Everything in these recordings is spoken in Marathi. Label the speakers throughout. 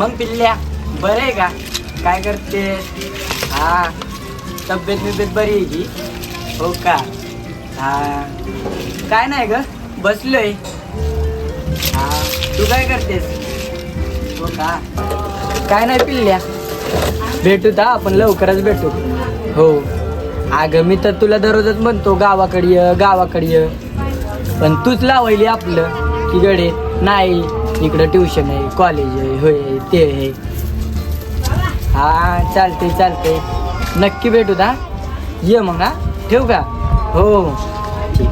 Speaker 1: मग पिल्ल्या बरं आहे का? काय करते? हा, तब्येत बरी आहे की? हो का? हा, काय नाही ग, बसलोय. हा, तू काय करतेस? हो का? काय नाही पिल्ल्या, भेटू तर आपण लवकरच भेटू. हो, अगं मी तर तुला दररोजच म्हणतो गावाकडे ये, पण तूच लावायली आपलं की गडे नाही, इकडं ट्युशन आहे, कॉलेज आहे, होय ते आहे. हा, चालते नक्की भेटू दा. ये मग, हा ठेवू का? हो ठीक.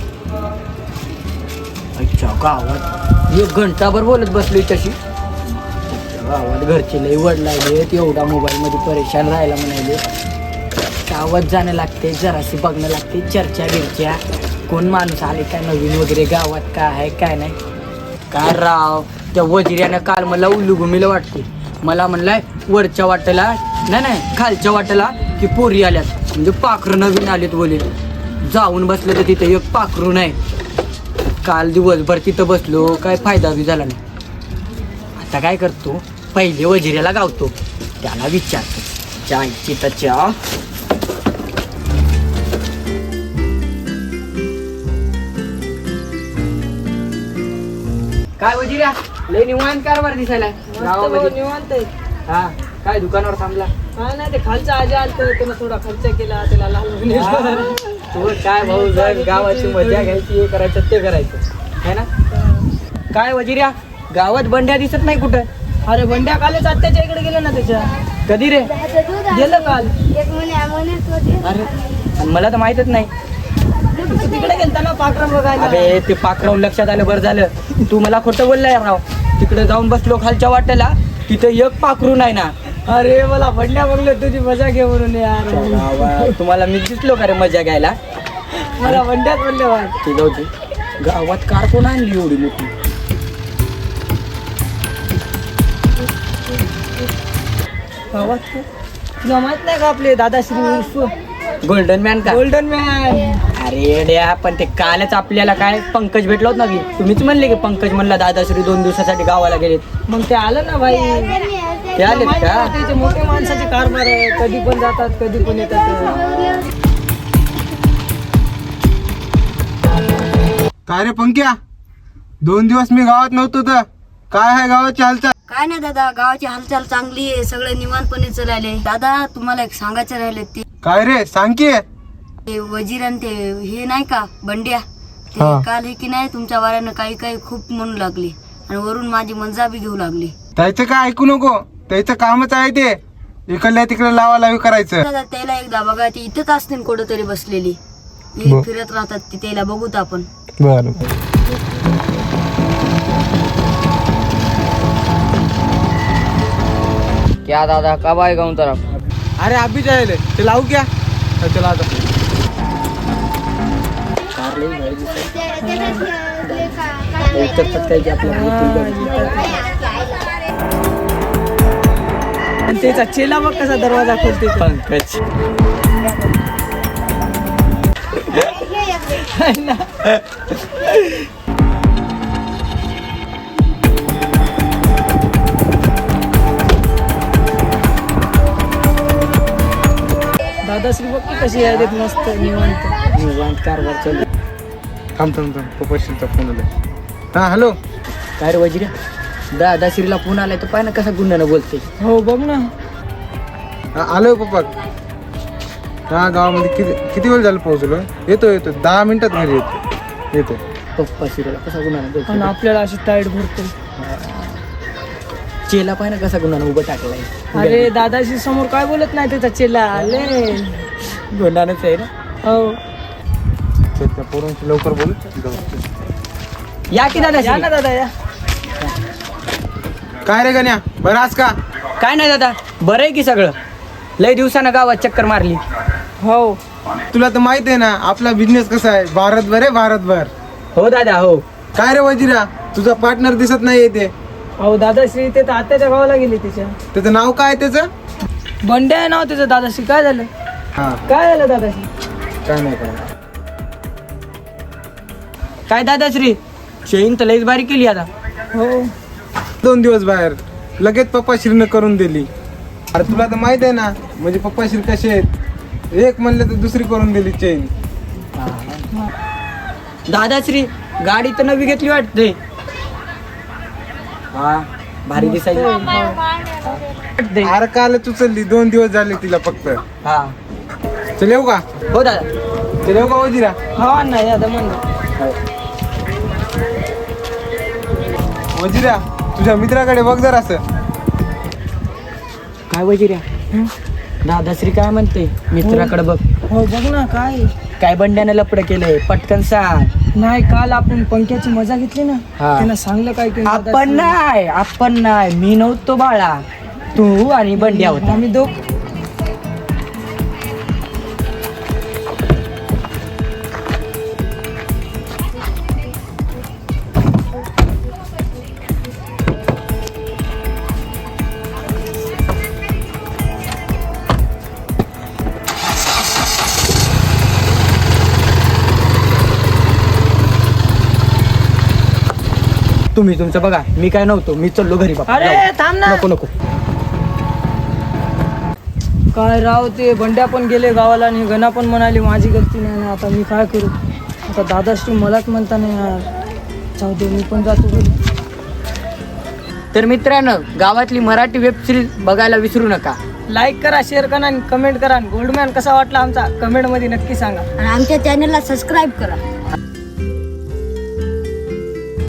Speaker 1: अच्छा, गावात 1 घंटाभर बोलत बसलोय तशी. गावात घरचे लई वडलायले, एवढा मोबाईलमध्ये परेशान राहायला म्हणाले. गावात जाणं लागते, जराशी बघणं लागते, चर्चा बिरच्या, कोण माणूस आले काय नवीन वगैरे गावात, काय आहे काय नाही. काय राव, त्या वजिऱ्यानं काल मला उलुगुमीला वाटते. मला म्हणलाय वरच्या वाटेला नाही खालच्या वाटेला की पोरी आल्यात, म्हणजे पाखरं नवीन आलेत बोले. जाऊन बसलं तर तिथे एक पाखरू नाही. काल दिवसभर तिथं बसलो, काय फायदा बी झाला नाही. आता काय करतो, पहिले वजिऱ्याला गावतो, त्याला विचारतो. चायची तर चहा. काय वजिऱ्या, लय निवांत कारभार दिसायला गावामध्ये.
Speaker 2: निवांत.
Speaker 1: हा, काय दुकानावर थांबला?
Speaker 2: काय नाही, ते खालचा आजी आलत, त्यानं थोडा खर्च केला, त्याला लहान
Speaker 1: तू काय भाऊ, जर गावाची मजा घ्यायची, हे करायचं ते करायचं है ना. काय वजिऱ्या, गावात बंड्या दिसत नाही कुठं?
Speaker 2: अरे बंड्या कालच आत्याच्या इकडे गेलं ना त्याच्या.
Speaker 1: कधी रे?
Speaker 2: गेलं काल.
Speaker 1: अरे, आणि मला तर माहितच नाही.
Speaker 2: तू तिकडे गेलता ना पाखरं बघायला.
Speaker 1: अरे ते पाखरावून लक्षात आलं, बरं झालं तू मला खोटं बोललाय राव. तिकडे जाऊन बसलो खालच्या वाट्याला, तिथं एक पाखरू नाही ना.
Speaker 2: अरे मला बंड्या बघलं तुझी मजा घे म्हणून यार.
Speaker 1: तुम्हाला मी दिसलो का रे मजा घ्यायला?
Speaker 2: मला बंड्यात म्हणले बा.
Speaker 1: ते जाऊ दे. गावात कार कोण आणली एवढी मोठी?
Speaker 2: गावात तुला माहित नाही का आपले दादाश्री उर्फ
Speaker 1: गोल्डन मॅन का?
Speaker 2: Golden man.
Speaker 1: अरे द्या, पण ते कालच आपल्याला काय पंकज भेटलो होत ना की, तुम्हीच म्हणले की पंकज म्हणला दादाश्री 2 दिवसासाठी गावाला गेलेत.
Speaker 2: मग ते आलं ना भाई.
Speaker 1: ते आलेत
Speaker 2: माहित
Speaker 1: का?
Speaker 2: आहे, त्याचे मोठे माणसाचे कारभार आहे, कधी पण जातात कधी पण येतात.
Speaker 3: काय रे पंक्या, 2 दिवस मी गावात नव्हतो तर काय आहे गावाची हालचाल?
Speaker 4: काय नाही दादा, गावाची हालचाल चांगली आहे, सगळे निवांतपणे चालले. दादा तुम्हाला एक सांगायचं राहिले,
Speaker 3: काय रे सांग की.
Speaker 4: ते वजीर आणि ते हे नाही का बंड्या, ते
Speaker 3: हा.
Speaker 4: काल हे की नाही तुमच्या वाऱ्यानं काही काही खूप म्हणू लागले आणि वरून माझी मजा बी घेऊ लागली.
Speaker 3: त्याचं काय ऐकू नको, त्याचं कामच आहे ते इकडल्या तिकडे लावालावी करायचं.
Speaker 4: दादा त्याला एकदा बघा, ती इथंच असते कुठं तरी बसलेली,
Speaker 3: बर.
Speaker 4: फिरत राहतात ती, त्याला बघूत आपण.
Speaker 3: बरं.
Speaker 1: क्या दादा कब आएगा उन तरफ?
Speaker 3: अरे अभी जायले ते लावू क्या? चला आता.
Speaker 2: आणि त्याचा चेला बघ कसा दरवाजा खोलते.
Speaker 1: पंकज.
Speaker 2: दादाश्री बघ की कशी आहे, मस्त निवांत.
Speaker 1: कारभार चालू.
Speaker 3: थांब पप्पाशीचा फोन आला. हा हॅलो.
Speaker 1: काय रे वजिऱ्या, दादाश्रीला फोन आलाय तर पाय ना कसा गुन्ह्यानं बोलते.
Speaker 2: हो बघ ना.
Speaker 3: हा आलोय पप्पा. हा गावामध्ये किती वेळ झालं पोहोचलो? येतो 10 मिनिटात घरी येतो.
Speaker 1: पप्पा शिराला कसा गुन्ह्यानं
Speaker 2: आणि
Speaker 1: बोलतो.
Speaker 2: आपल्याला अशी टाईट भरतो.
Speaker 1: चेला पाय ना कसा गुन्ह्यानं उभं टाकलाय.
Speaker 2: अरे दादाश्री समोर काय बोलत नाही त्याचा चेला. आले
Speaker 1: गुन्ह्यानंच आहे ना.
Speaker 2: हो
Speaker 3: त्या पोरांशी लवकर बोल.
Speaker 1: या की
Speaker 2: या ना
Speaker 1: दादा.
Speaker 2: दादा या.
Speaker 3: काय रे गण्या, बरं आज का?
Speaker 1: काय नाही दादा, बरं आहे की सगळं. लय दिवसानं गावात चक्कर मारली.
Speaker 2: हो
Speaker 3: तुला तर माहित आहे ना आपला बिझनेस कसा आहे, भारतभर आहे भारतभर.
Speaker 1: हो दादा हो.
Speaker 3: काय रे वजिरा, तुझा पार्टनर दिसत नाही ते.
Speaker 2: हो दादाश्री ते तर आत्याच्या गावाला गेली त्याच्या.
Speaker 3: त्याचं नाव काय त्याचं?
Speaker 2: बंड्या आहे नाव त्याचं. दादाश्री काय झालं?
Speaker 3: हा
Speaker 2: काय झालं दादाश्री?
Speaker 3: काय नाही काय.
Speaker 1: काय दादाश्री, शेईन तर लईच बारी केली आता.
Speaker 2: हो
Speaker 3: 2 दिवस बाहेर लगेच पप्पाश्रीनं करून दिली. अरे तुला तर माहित आहे ना म्हणजे पप्पाश्री कसे आहेत, एक म्हणलं तर दुसरी करून दिली चेन.
Speaker 1: दादाश्री गाडी तर नवी घेतली वाटते. हा भारी दिसायची वाटते.
Speaker 3: अरे कालच उचलली, 2 दिवस झाले तिला फक्त.
Speaker 1: हा
Speaker 3: चल येऊ का?
Speaker 1: हो दादा.
Speaker 3: चल येऊ का वजिरा?
Speaker 2: हा नाही आता म्हणलं
Speaker 3: वजिरा तुझ्या मित्राकडे बघ जरा असं.
Speaker 1: काय वजिऱ्या? दादाश्री काय म्हणते मित्राकडे बघ.
Speaker 2: हो बघ ना काय
Speaker 1: काय बंड्यानं लपड केलंय पटकन सांग.
Speaker 2: नाही काल आपण पंख्याची मजा घेतली ना
Speaker 1: हा.
Speaker 2: त्यानं सांगलं काय की
Speaker 1: आपण नाही मी नव्हतो बाळा, तू आणि बंड्या होता.
Speaker 2: आम्ही दोघ
Speaker 1: तुम्ही तुमचं बघा, मी काय नव्हतो, मी चाललो घरी बाबा.
Speaker 2: अरे
Speaker 1: जाऊ.
Speaker 2: थांब ना.
Speaker 1: नको नको.
Speaker 2: काय राव ते बंड्या पण गेले गावाला आणि गणा पण म्हणाली माझी गलती नाही ना. आता मी काय करू? आता दादाश्री मलाच म्हणता नाही यार. जाऊ दे मी पण जातो घरी.
Speaker 1: तर मित्रांनो, गावातली मराठी वेब सिरीज बघायला विसरू नका.
Speaker 2: लाईक करा, शेअर करा आणि कमेंट करा. गोल्डमॅन कसा वाटला आमचा कमेंट मध्ये नक्की सांगा.
Speaker 4: आणि आमच्या चॅनलला सबस्क्राईब करा.